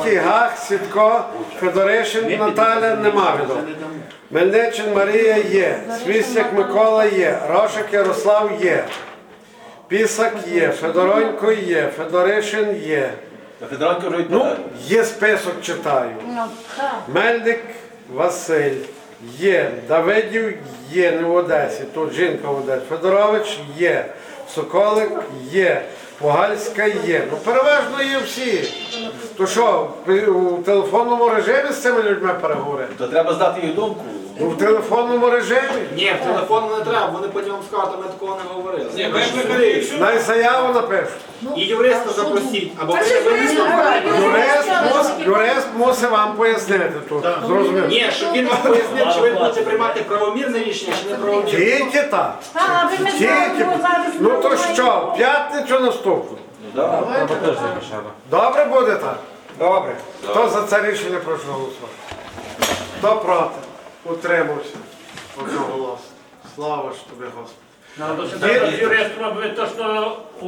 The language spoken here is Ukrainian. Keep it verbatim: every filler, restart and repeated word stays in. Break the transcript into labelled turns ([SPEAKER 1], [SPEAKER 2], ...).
[SPEAKER 1] Козицький, Гах, Сідко, Федоришин, Наталя, нема відомо. Мельничин Марія є, Свістяк Микола є, Рошик Ярослав є, Пісак є, Федоронько є, Федоришин є.
[SPEAKER 2] Федоронько вже
[SPEAKER 1] Ну,
[SPEAKER 2] відповідає.
[SPEAKER 1] є список, читаю.
[SPEAKER 3] Ну, так.
[SPEAKER 1] Мельник Василь є, Давидів є, не в Одесі, тут жінка в Одесі, Федорович є, Соколик є, Погальська є. Ну, переважно є всі. То що, у телефонному режимі з цими людьми переговорити?
[SPEAKER 2] То треба знати їх думку.
[SPEAKER 1] Ну, в телефонному режимі?
[SPEAKER 4] Ні, в телефон не треба, вони потім вам скажуть, а ми такого не говорили.
[SPEAKER 5] Ні, викликали.
[SPEAKER 1] Най заяву напишу.
[SPEAKER 4] І юриста запросіть, або ви ви-
[SPEAKER 1] Юрист, мус, юрист мусить вам пояснити тут. Зрозуміло?
[SPEAKER 4] Ні, щоб він вам пояснив, чи ви будете приймати правомірне рішення, чи не правомірне.
[SPEAKER 1] Тільки так.
[SPEAKER 3] А, ви ми
[SPEAKER 1] Тільки.
[SPEAKER 3] знаємо, зараз
[SPEAKER 1] Ну то
[SPEAKER 3] ми
[SPEAKER 1] що, в п'ятницю наступну?
[SPEAKER 2] Да.
[SPEAKER 1] Добре буде так?
[SPEAKER 4] Добре.
[SPEAKER 1] Хто за це рішення прошу голосувати? Хто проти? Утримався. Одноголосно. Слава ж тобі, Господи.
[SPEAKER 5] Надо сюди юристам, аби то, що